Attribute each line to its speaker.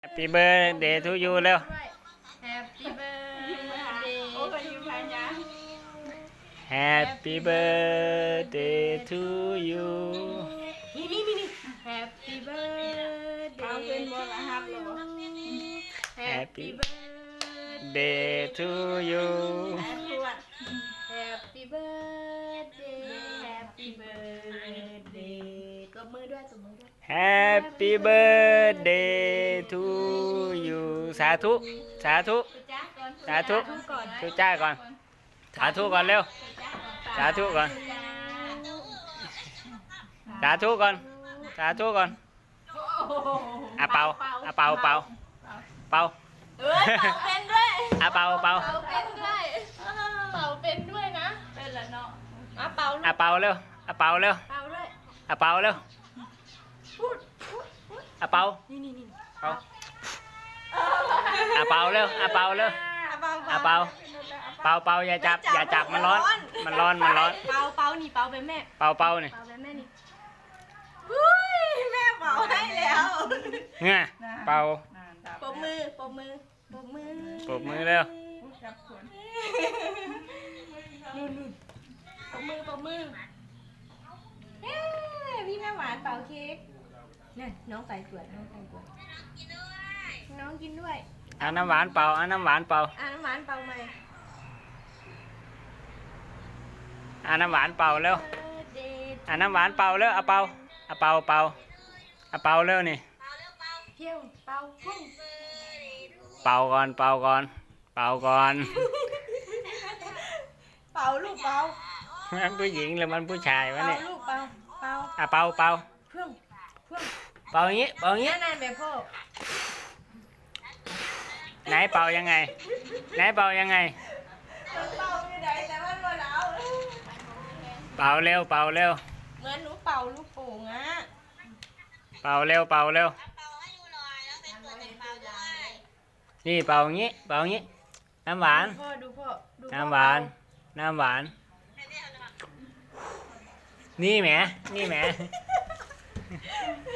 Speaker 1: Happy birthday to you เร็ว
Speaker 2: Happy birthday
Speaker 1: Happy birthday to you
Speaker 2: นี่ Happy birthday
Speaker 1: Happy
Speaker 2: Happy birthday
Speaker 1: day to you
Speaker 2: Happy birthday Happy birthday ตบมือด้วย
Speaker 1: Happy birthday to you สาธุสาธุสาธุทุจ้าก่อนสาธุก่อนเร็วสาธุก่อนสาธุก่อนสาธุก่อนอ่ะเป่าอ่ะเป่าเป่าเป่า
Speaker 2: เป่าเป็นด้วย
Speaker 1: อ่ะเป่าเป่า
Speaker 2: เป่าเป็นด้วยเป่าเป็นด้วยนะเป็นแล้วเนาะเป่า
Speaker 1: อ่ะเป่าเร็วอ่ะเป่าเร็ว
Speaker 2: เป่าด้วย
Speaker 1: อ่ะเป่าเร็ว
Speaker 2: พูด
Speaker 1: อ่ะเป่า
Speaker 2: นี่
Speaker 1: เป่าอ่ะเป่าเร็วอ่ะเป่าเร็วอ่ะเป่าเป่าเป่าอย่าจับอย่าจับมันร้อนมันร้อนมันร้อน
Speaker 2: เป่านี่เป่าเป็นแม่
Speaker 1: เป่าเป่านี่
Speaker 2: เป่าเป็นแม่นี่อุ้ยแม่เป่าให้แล้ว
Speaker 1: เนี่ยเป่า
Speaker 2: ปรบมือปรบมือปรบมือ
Speaker 1: ปรบมือเร็ว
Speaker 2: นู่นปรบมือปรบมือเฮ้พี่แม่หวานเป่าเค้กเนี่ยน้องใส่ขวดน้องกินด้วย
Speaker 1: เอาน้ำหวานเป่าเอาน้ำหวานเป่า
Speaker 2: น้ำหวานเป่าใหม่
Speaker 1: เอาน้ำหวานเป่าเร็วเอาน้ำหวานเป่าเร็วเอาเป่าเอาเป่าเป่าเอาเป่าเร็วนี่
Speaker 2: เที่ยวเป่าพุ่ง
Speaker 1: เป่าก่อนเป่าก่อนเป่าก่อน
Speaker 2: เป่าลูกเป่า
Speaker 1: มันผู้หญิงหรือมันผู้ชายวะ
Speaker 2: เป่า
Speaker 1: เนี่ย
Speaker 2: ลูกเป่าเป่า
Speaker 1: อ่ะเป่าเป่า
Speaker 2: เพื่อง
Speaker 1: เป่าอย่างงี้เป่าอย่างงี้
Speaker 2: นั่นแบบพ่อ
Speaker 1: ไหนเป่ายังไงไหนเป่ายังไง
Speaker 2: เป่าไม่ได้แต่มันบ่เอา
Speaker 1: เป่าเร็วเป่าเร็ว
Speaker 2: เหมือนหนูเป่าลูกโป่งอ่ะ
Speaker 1: เป่าเร็วเป่าเร็วนี่เป่าอย่างงี้เป่าอย่างงี้น้ำหวาน
Speaker 2: พ่อดูพ่อดู
Speaker 1: น้ำหวานน้ำหวานนี่แหมนี่แหม